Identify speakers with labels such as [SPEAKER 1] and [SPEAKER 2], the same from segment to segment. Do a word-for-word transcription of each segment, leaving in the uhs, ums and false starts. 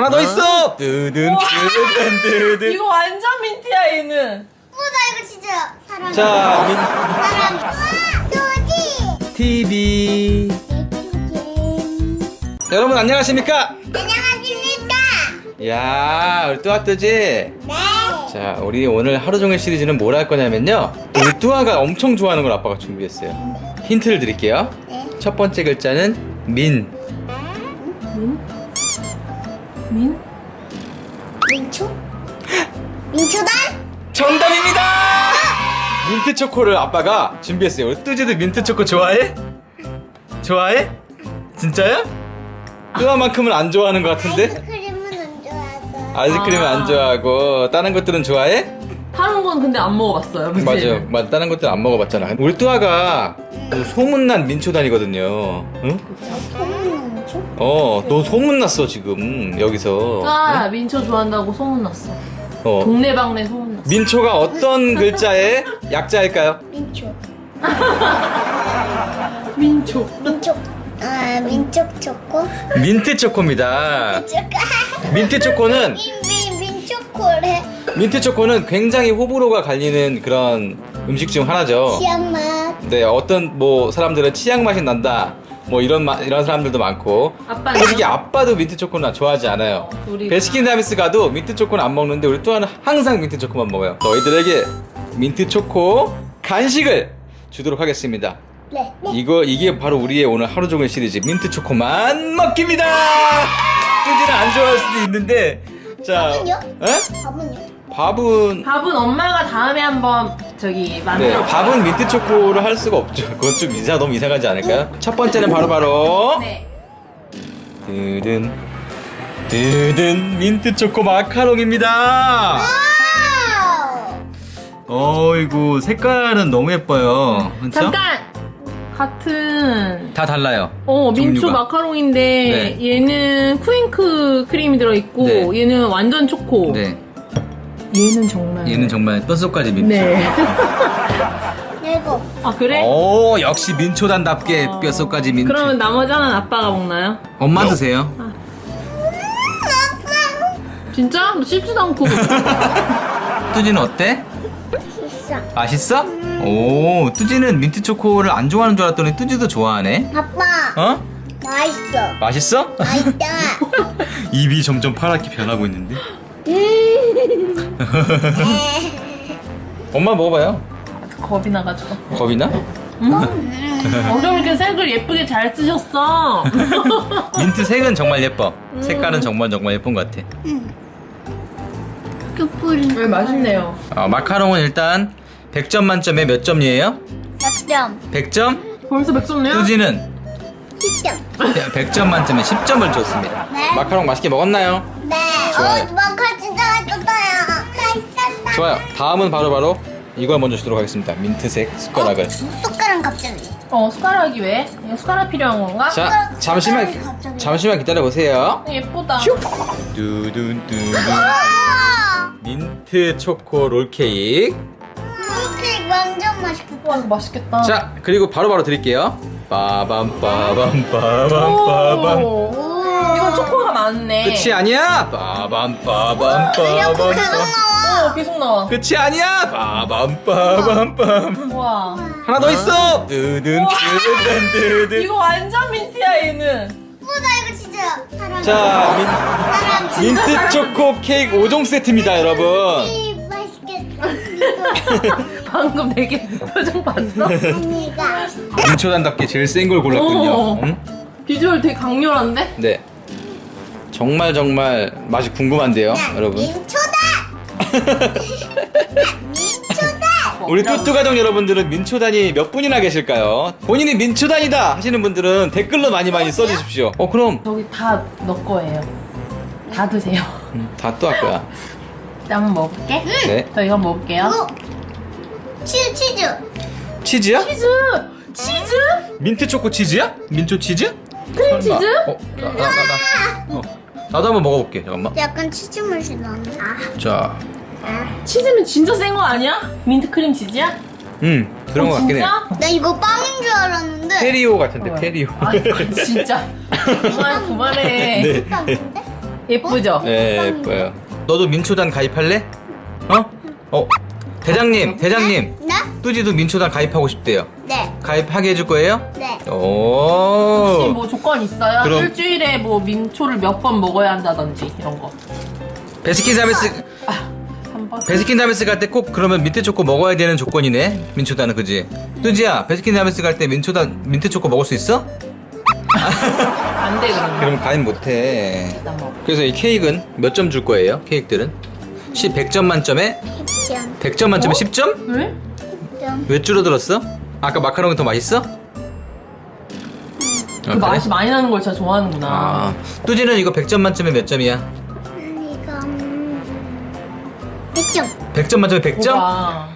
[SPEAKER 1] 하나 더 있어. 뜨든 뜨든 뜨든.
[SPEAKER 2] 이거 완전 민트야 얘는.
[SPEAKER 3] 우와 이거 진짜 사람.
[SPEAKER 1] 자, 민
[SPEAKER 3] 사람. 우와 도지.
[SPEAKER 1] 티비. 여러분 안녕하십니까?
[SPEAKER 3] 안녕하십니까?
[SPEAKER 1] 야, 우리 뚜아 뜨지?
[SPEAKER 3] 네.
[SPEAKER 1] 자, 우리 오늘 하루 종일 시리즈는 뭘 할 거냐면요. 우리 뚜아가 엄청 좋아하는 걸 아빠가 준비했어요. 힌트를 드릴게요.
[SPEAKER 3] 네.
[SPEAKER 1] 첫 번째 글자는 민.
[SPEAKER 2] 민? 민?
[SPEAKER 3] 민초? 민초단?
[SPEAKER 1] 정답입니다! 민트 초코를 아빠가 준비했어요. 우리 뚜지도 민트 초코 좋아해? 좋아해? 진짜요? 뚜아만큼은 안 좋아하는 것 같은데?
[SPEAKER 3] 아이스크림은 안 좋아하고.
[SPEAKER 1] 아이스크림은
[SPEAKER 2] 아.
[SPEAKER 1] 안 좋아하고 다른 것들은 좋아해?
[SPEAKER 2] 다른 건 근데 안 먹어봤어요. 그치?
[SPEAKER 1] 맞아, 맞아. 다른 것들 안 먹어봤잖아. 우리 뚜아가 그 소문난 민초단이거든요. 응?
[SPEAKER 3] 소문 민초?
[SPEAKER 1] 어, 너 소문났어 지금 여기서.
[SPEAKER 2] 아 민초 좋아한다고 소문났어.
[SPEAKER 1] 어.
[SPEAKER 2] 동네방네 소문났어.
[SPEAKER 1] 민초가 어떤 글자의 약자일까요?
[SPEAKER 3] 민초.
[SPEAKER 2] 민초.
[SPEAKER 3] 민초. 아 민초 초코?
[SPEAKER 1] 민트 초코입니다.
[SPEAKER 3] 초코.
[SPEAKER 1] 민트 초코는
[SPEAKER 3] 민민 민초코래.
[SPEAKER 1] 민트 초코는 굉장히 호불호가 갈리는 그런 음식 중 하나죠.
[SPEAKER 3] 시한 맛.
[SPEAKER 1] 네, 어떤 뭐 사람들은 치약 맛이 난다. 뭐 이런 마, 이런 사람들도 많고.
[SPEAKER 2] 아빠는
[SPEAKER 1] 솔직히 아빠도 민트 초코는 좋아하지 않아요.
[SPEAKER 2] 우리
[SPEAKER 1] 베스킨라빈스 가도 민트 초코는 안 먹는데 우리 또한 항상 민트 초코만 먹어요. 너희들에게 민트 초코 간식을 주도록 하겠습니다.
[SPEAKER 3] 네. 네.
[SPEAKER 1] 이거 이게 바로 우리의 오늘 하루 종일 시리즈 민트 초코만 먹기입니다. 뚜지는 안 좋아할 수도 있는데 자,
[SPEAKER 3] 밥은요?
[SPEAKER 1] 에?
[SPEAKER 3] 밥은요?
[SPEAKER 1] 밥은
[SPEAKER 2] 밥은 엄마가 다음에 한번 저기
[SPEAKER 1] 네,
[SPEAKER 2] 만들어.
[SPEAKER 1] 밥은 민트 초코를 할 수가 없죠. 그건 좀 이상 너무 이상하지 않을까요? 첫 번째는 바로 바로
[SPEAKER 2] 네.
[SPEAKER 1] 뜨든 뜨든 민트 초코 마카롱입니다.
[SPEAKER 3] 와우.
[SPEAKER 1] 어이구 색깔은 너무 예뻐요. 그렇죠?
[SPEAKER 2] 잠깐 같은.
[SPEAKER 1] 다 달라요.
[SPEAKER 2] 어 민초
[SPEAKER 1] 종류가.
[SPEAKER 2] 마카롱인데
[SPEAKER 1] 네.
[SPEAKER 2] 얘는 쿠잉크 크림이 들어있고
[SPEAKER 1] 네.
[SPEAKER 2] 얘는 완전 초코.
[SPEAKER 1] 네,
[SPEAKER 2] 얘는 정말.
[SPEAKER 1] 얘는 정말 뼛속까지 민트.
[SPEAKER 2] 네.
[SPEAKER 3] 이거.
[SPEAKER 2] 아 그래?
[SPEAKER 1] 오, 역시 민초단답게
[SPEAKER 2] 어.
[SPEAKER 1] 뼛속까지 민트.
[SPEAKER 2] 그러면 나머지 하나는 아빠가 먹나요?
[SPEAKER 1] 엄마 드세요.
[SPEAKER 2] 진짜? 너 씹지도 않고.
[SPEAKER 1] 뚜지는 어때?
[SPEAKER 3] 있어.
[SPEAKER 1] 맛있어? 오, 뚜지는 민트 초코를 안 좋아하는 줄 알았더니 뚜지도 좋아하네.
[SPEAKER 3] 아빠.
[SPEAKER 1] 어?
[SPEAKER 3] 맛있어.
[SPEAKER 1] 맛있어?
[SPEAKER 3] 맛있다.
[SPEAKER 1] 입이 점점 파랗게 변하고 있는데.
[SPEAKER 3] 음.
[SPEAKER 1] 엄마 먹어봐요.
[SPEAKER 2] 겁이 나가지고.
[SPEAKER 1] 겁이 나?
[SPEAKER 2] 어쩜 이렇게 색을 예쁘게 잘 쓰셨어?
[SPEAKER 1] 민트 색은 정말 예뻐. 색깔은 정말 정말 예쁜 것 같아.
[SPEAKER 3] 촛불이.
[SPEAKER 2] 왜 맛있네요.
[SPEAKER 1] 어, 마카롱은 일단 백 점 만점에 몇 점이에요?
[SPEAKER 3] 몇 점?
[SPEAKER 1] 백 점?
[SPEAKER 2] 벌써 백점네요?
[SPEAKER 1] 뚜지는
[SPEAKER 3] 십 점.
[SPEAKER 1] 백 점 만점에 십 점을 줬습니다.
[SPEAKER 3] 네.
[SPEAKER 1] 마카롱 맛있게 먹었나요?
[SPEAKER 3] 네.
[SPEAKER 1] 좋아요.
[SPEAKER 3] 어, 마카 진짜 맛있었어요. 맛있었다.
[SPEAKER 1] 좋아요. 다음은 바로바로 이걸 먼저 주도록 하겠습니다. 민트색 숟가락을.
[SPEAKER 3] 어, 숟가락 갑자기.
[SPEAKER 2] 어 숟가락이 왜? 이거 숟가락 필요한 건가?
[SPEAKER 1] 자, 잠시만
[SPEAKER 3] 갑자기.
[SPEAKER 1] 잠시만 기다려 보세요.
[SPEAKER 2] 예쁘다.
[SPEAKER 1] 두둔 두둔.
[SPEAKER 3] 와.
[SPEAKER 1] 민트 초코 롤 케이크.
[SPEAKER 3] 이렇게 완전 맛있겠다.
[SPEAKER 2] 와 이거 맛있겠다.
[SPEAKER 1] 자, 그리고 바로바로 드릴게요. 빠밤 빠밤 빠밤 빠밤.
[SPEAKER 2] 오. 이건 초코가 많네.
[SPEAKER 1] 끝이 아니야. 빠밤 빠밤
[SPEAKER 3] 이렇게
[SPEAKER 1] 빠밤.
[SPEAKER 3] 계속 나와.
[SPEAKER 2] 어 계속 나와.
[SPEAKER 1] 끝이 아니야. 빠밤 빠밤 빠밤.
[SPEAKER 2] 와.
[SPEAKER 1] 하나 더 있어. 뜨든 뜨든 뜨든.
[SPEAKER 2] 이거 완전 민트야 얘는.
[SPEAKER 3] 우와 이거 진짜 사람.
[SPEAKER 1] 자,
[SPEAKER 3] 사람
[SPEAKER 1] 민,
[SPEAKER 3] 진짜
[SPEAKER 1] 민트 초코 케이크 오 종 세트입니다, 여러분.
[SPEAKER 3] 맛있겠다.
[SPEAKER 2] 방금 되게 표정 봤어?
[SPEAKER 3] 언니가.
[SPEAKER 1] 민초단답게 제일 센 걸 골랐군요.
[SPEAKER 2] 어.
[SPEAKER 1] 응?
[SPEAKER 2] 비주얼 되게 강렬한데?
[SPEAKER 1] 네. 정말 정말 맛이 궁금한데요, 여러분.
[SPEAKER 3] 민초다. 민초다.
[SPEAKER 1] 우리 뚜뚜 가족 여러분들은 민초단이 몇 분이나 계실까요? 본인이 민초단이다 하시는 분들은 댓글로 많이 많이 써주십시오. 어, 그럼
[SPEAKER 2] 저기 다 너 거예요. 다 드세요.
[SPEAKER 1] 다 또 할 거야.
[SPEAKER 2] 나 한번 먹어볼게.
[SPEAKER 1] 네.
[SPEAKER 2] 저 이거 먹을게요.
[SPEAKER 3] 이거 치즈 치즈.
[SPEAKER 1] 치즈야?
[SPEAKER 2] 치즈! 치즈?
[SPEAKER 1] 민트 초코 치즈야? 민초 치즈?
[SPEAKER 2] 크림 치즈?
[SPEAKER 1] 어, 나, 나, 나, 나. 어, 나도 한번 먹어볼게. 잠깐만.
[SPEAKER 3] 약간 치즈 맛이 나네. 아.
[SPEAKER 1] 자,
[SPEAKER 2] 치즈는 진짜 센 거 아니야? 민트 크림 치즈야?
[SPEAKER 1] 음, 그런
[SPEAKER 2] 어,
[SPEAKER 1] 것 같긴 해.
[SPEAKER 2] 진짜?
[SPEAKER 3] 나 이거 빵인 줄 알았는데.
[SPEAKER 1] 페리오 같은데,
[SPEAKER 2] 어.
[SPEAKER 1] 페리오.
[SPEAKER 2] 아 진짜 그만 그만해.
[SPEAKER 1] 네.
[SPEAKER 3] 빵인데?
[SPEAKER 2] 예쁘죠?
[SPEAKER 1] 네, 예뻐요. 너도 민초단 가입할래? 어? 어? 대장님, 대장님.
[SPEAKER 3] 네?
[SPEAKER 1] 뚜지도 민초단 가입하고 싶대요.
[SPEAKER 3] 네.
[SPEAKER 1] 가입하게 해줄 거예요?
[SPEAKER 3] 네.
[SPEAKER 2] 혹시
[SPEAKER 1] 오.
[SPEAKER 2] 뭐 조건 있어요?
[SPEAKER 1] 그럼-
[SPEAKER 2] 일주일에 뭐 민초를 몇 번 먹어야 한다든지 이런 거.
[SPEAKER 1] 베스킨 라빈스
[SPEAKER 2] 한 번.
[SPEAKER 1] 베스킨 라빈스 갈 때 꼭 그러면 민트 초코 먹어야 되는 조건이네. 민초단은 그지? 뚜지야, 베스킨 라빈스 갈 때 민초단 민트 초코 먹을 수 있어?
[SPEAKER 2] 안 돼 그러면.
[SPEAKER 1] 그럼 가입 못해.
[SPEAKER 2] 일단 먹어.
[SPEAKER 1] 그래서 이 케이크는 몇 점 줄 거예요? 케이크들은? 십, 백 점 만점에
[SPEAKER 3] 점.
[SPEAKER 1] 백 점 만점에
[SPEAKER 2] 어?
[SPEAKER 1] 십 점?
[SPEAKER 2] 왜?
[SPEAKER 3] 점.
[SPEAKER 1] 왜 줄어들었어? 아까 마카롱이 더 맛있어?
[SPEAKER 2] 그 맛이 많이 나는 걸 진짜 좋아하는구나.
[SPEAKER 1] 아, 뚜지는 이거 백 점 만점에 몇 점이야?
[SPEAKER 3] 이거 음, 백 점.
[SPEAKER 1] 백 점 만점에 백 점?
[SPEAKER 2] 뭐가.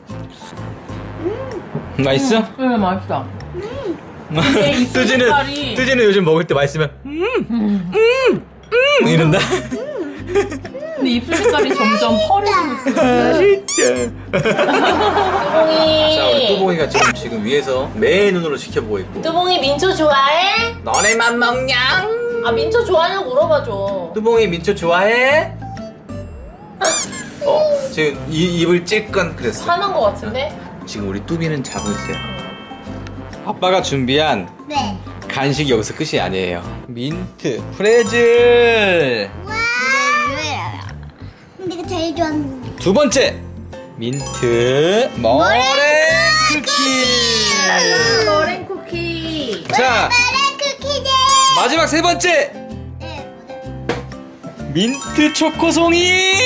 [SPEAKER 1] 맛있어?
[SPEAKER 2] 응, 맛있다. 근데 입술
[SPEAKER 1] 뚜지는
[SPEAKER 2] 색깔이
[SPEAKER 1] 뚜지는 요즘 먹을 때 맛있으면 음음음 음, 이런다.
[SPEAKER 2] 근데 입술 색깔이 점점 펄해지고 있어.
[SPEAKER 1] 맛있다.
[SPEAKER 2] 뚜봉이.
[SPEAKER 1] 자, 우리 뚜봉이가 지금 지금 위에서 매 눈으로 지켜보고 있고.
[SPEAKER 2] 뚜봉이 민초 좋아해?
[SPEAKER 1] 너네만 먹냐?
[SPEAKER 2] 아 민초 좋아하냐고 물어봐줘.
[SPEAKER 1] 뚜봉이 민초 좋아해? 어, 지금 이 입을 찔건 그랬어.
[SPEAKER 2] 화난 거 같은데?
[SPEAKER 1] 지금 우리 뚜비는 자고 있어요. 아빠가 준비한
[SPEAKER 3] 네.
[SPEAKER 1] 간식이 여기서 끝이 아니에요. 민트 프레즐.
[SPEAKER 3] 와. 근데 이거 제일 좋아하는.
[SPEAKER 1] 두 번째 민트 머랭 쿠키.
[SPEAKER 2] 머랭 쿠키.
[SPEAKER 1] 자,
[SPEAKER 3] 파란 쿠키들.
[SPEAKER 1] 마지막 세 번째
[SPEAKER 3] 네. 뭐죠?
[SPEAKER 1] 민트 초코송이.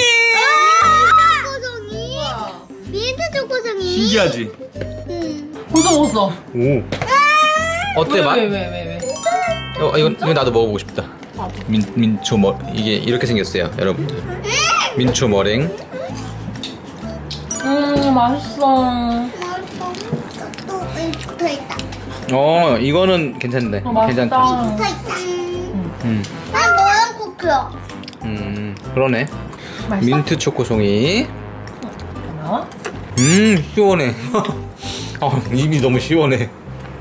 [SPEAKER 3] 초코송이. 민트 초코송이.
[SPEAKER 1] 신기하지?
[SPEAKER 3] 음.
[SPEAKER 2] 벌써 먹었어.
[SPEAKER 1] 오. 어때 맛?
[SPEAKER 2] 왜 왜 왜 왜?
[SPEAKER 1] 어, 이거 이거 나도 먹어보고 싶다. 민 민초 머 이게 이렇게 생겼어요, 여러분들. 민초 머랭.
[SPEAKER 2] 음 맛있어.
[SPEAKER 3] 또 붙어 있다.
[SPEAKER 1] 어, 이거는 괜찮네.
[SPEAKER 2] 어, 맛있다.
[SPEAKER 1] 괜찮다.
[SPEAKER 3] 붙어 있다.
[SPEAKER 1] 음,
[SPEAKER 3] 난 모양 쿠키야.
[SPEAKER 1] 음, 그러네.
[SPEAKER 2] 맛있어?
[SPEAKER 1] 민트 초코송이.
[SPEAKER 2] 나와?
[SPEAKER 1] 음, 시원해. 어, 입이 너무 시원해.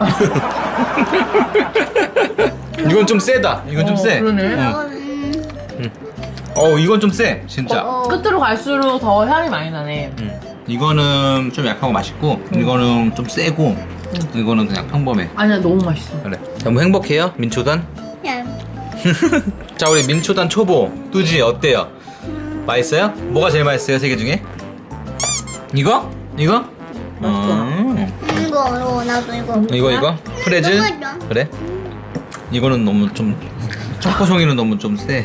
[SPEAKER 1] 이건 좀 세다. 이건 좀
[SPEAKER 2] 어,
[SPEAKER 1] 세.
[SPEAKER 2] 그러네.
[SPEAKER 1] 응.
[SPEAKER 3] 음.
[SPEAKER 1] 어, 이건 좀 세, 진짜.
[SPEAKER 3] 어.
[SPEAKER 2] 끝으로 갈수록 더 향이 많이 나네.
[SPEAKER 1] 음. 이거는 좀 약하고 맛있고, 이거는 좀 세고, 이거는 그냥 평범해.
[SPEAKER 2] 아니야 너무 맛있어.
[SPEAKER 1] 그래. 너무 행복해요, 민초단.
[SPEAKER 3] 야.
[SPEAKER 1] 자, 우리 민초단 초보 뚜지 어때요? 맛있어요? 뭐가 제일 맛있어요, 세 개 중에? 이거? 이거? 음.
[SPEAKER 3] 이거 이거 나도 이거.
[SPEAKER 1] 이거 이거? 프레즐?
[SPEAKER 3] 너무 맛있다.
[SPEAKER 1] 그래? 이거는 너무 좀 초코송이는 너무 좀 세.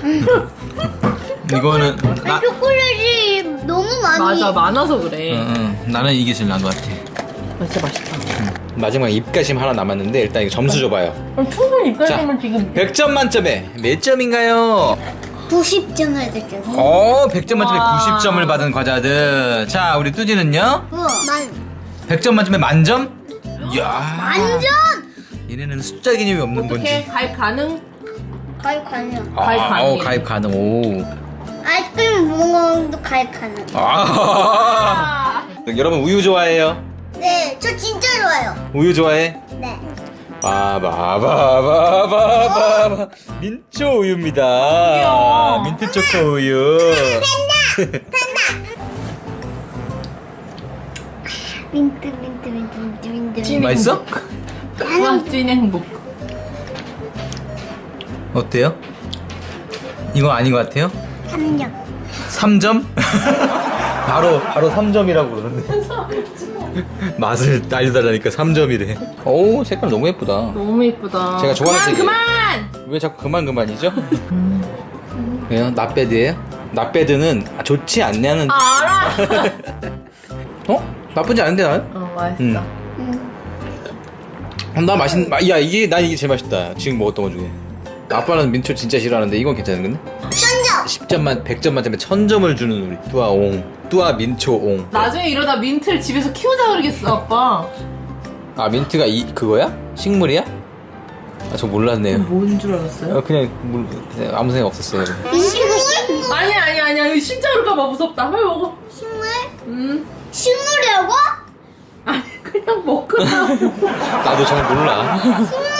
[SPEAKER 1] 이거는 나,
[SPEAKER 3] 아, 초콜릿이 너무 많이.
[SPEAKER 2] 맞아 많아서 그래.
[SPEAKER 1] 응, 응. 나는 이게 제일 나은 것 같아.
[SPEAKER 2] 아, 진짜 맛있다.
[SPEAKER 1] 마지막 입가심 하나 남았는데 일단 이거 점수 줘봐요.
[SPEAKER 2] 그럼 충분히 입가심은 지금
[SPEAKER 1] 백 점 만점에 몇 점인가요?
[SPEAKER 3] 구십 점을 드렸어.
[SPEAKER 1] 어, 백 점 만점에
[SPEAKER 2] 와.
[SPEAKER 1] 구십 점을 받은 과자들. 자, 우리 뚜지는요?
[SPEAKER 3] 우와. 만.
[SPEAKER 1] 백 점 만점에 만점? 이야.
[SPEAKER 3] 완전.
[SPEAKER 1] 얘네는 숫자 개념이 없는
[SPEAKER 2] 어떻게
[SPEAKER 1] 건지.
[SPEAKER 2] 가입 가능?
[SPEAKER 3] 가입 가능.
[SPEAKER 1] 아,
[SPEAKER 2] 가입 가능해요.
[SPEAKER 1] 어, 가입 가능. 오.
[SPEAKER 3] 아이스크림 먹어도 가입 가능.
[SPEAKER 1] 아.
[SPEAKER 2] 아,
[SPEAKER 1] 여러분 우유 좋아해요?
[SPEAKER 3] 네, 저 진짜 좋아요.
[SPEAKER 1] 우유 좋아해?
[SPEAKER 3] 네.
[SPEAKER 1] 바바바바바바바 민초 우유입니다.
[SPEAKER 2] 귀여워.
[SPEAKER 1] 민트 초코 우유.
[SPEAKER 3] 민트 민트 민트 민트 민트.
[SPEAKER 2] 찐
[SPEAKER 1] 맛있어?
[SPEAKER 2] 와, 찐 행복.
[SPEAKER 1] 어때요? 이거 아닌 것 같아요?
[SPEAKER 3] 삼 점.
[SPEAKER 1] 삼 점? 바로 바로 삼 점이라고 그러는데. 맛을 알려달라니까 삼 점이래. 오, 색깔 너무 예쁘다.
[SPEAKER 2] 너무 예쁘다.
[SPEAKER 1] 제가 좋아하는 색이에요.
[SPEAKER 2] 그만
[SPEAKER 1] 왜 자꾸 그만 그만이죠? 왜요? 나배드예요? 나배드는 좋지 않냐는.
[SPEAKER 2] 그만. 아, 알아.
[SPEAKER 1] 어? 나쁘지 않은데 난?
[SPEAKER 2] 어 맛있어.
[SPEAKER 1] 응.
[SPEAKER 3] 음.
[SPEAKER 1] 나 맛있. 마- 야, 이게 난 이게 제일 맛있다. 지금 먹었던 것 중에. 아빠는 민초 진짜 싫어하는데 이건 괜찮은데?
[SPEAKER 3] 천 점.
[SPEAKER 1] 십 점 만 백 점 만점에 천 점을 주는 우리 뚜아옹. 뚜아 민초옹.
[SPEAKER 2] 나중에 이러다 민트를 집에서 키우자 그러겠어 아빠.
[SPEAKER 1] 아, 민트가 이 그거야? 식물이야? 아, 저 몰랐네요.
[SPEAKER 2] 뭔 줄 알았어요?
[SPEAKER 1] 어, 그냥, 물- 그냥 아무 생각 없었어요.
[SPEAKER 3] 민트가 식물.
[SPEAKER 2] 아니 아니 아니야 이거 진짜 그럴까봐 무섭다. 빨리 먹어.
[SPEAKER 3] 식물?
[SPEAKER 2] 음.
[SPEAKER 3] 식물이라고?
[SPEAKER 2] 아니 그냥 먹으라고.
[SPEAKER 1] 나도 잘 몰라.
[SPEAKER 3] 식물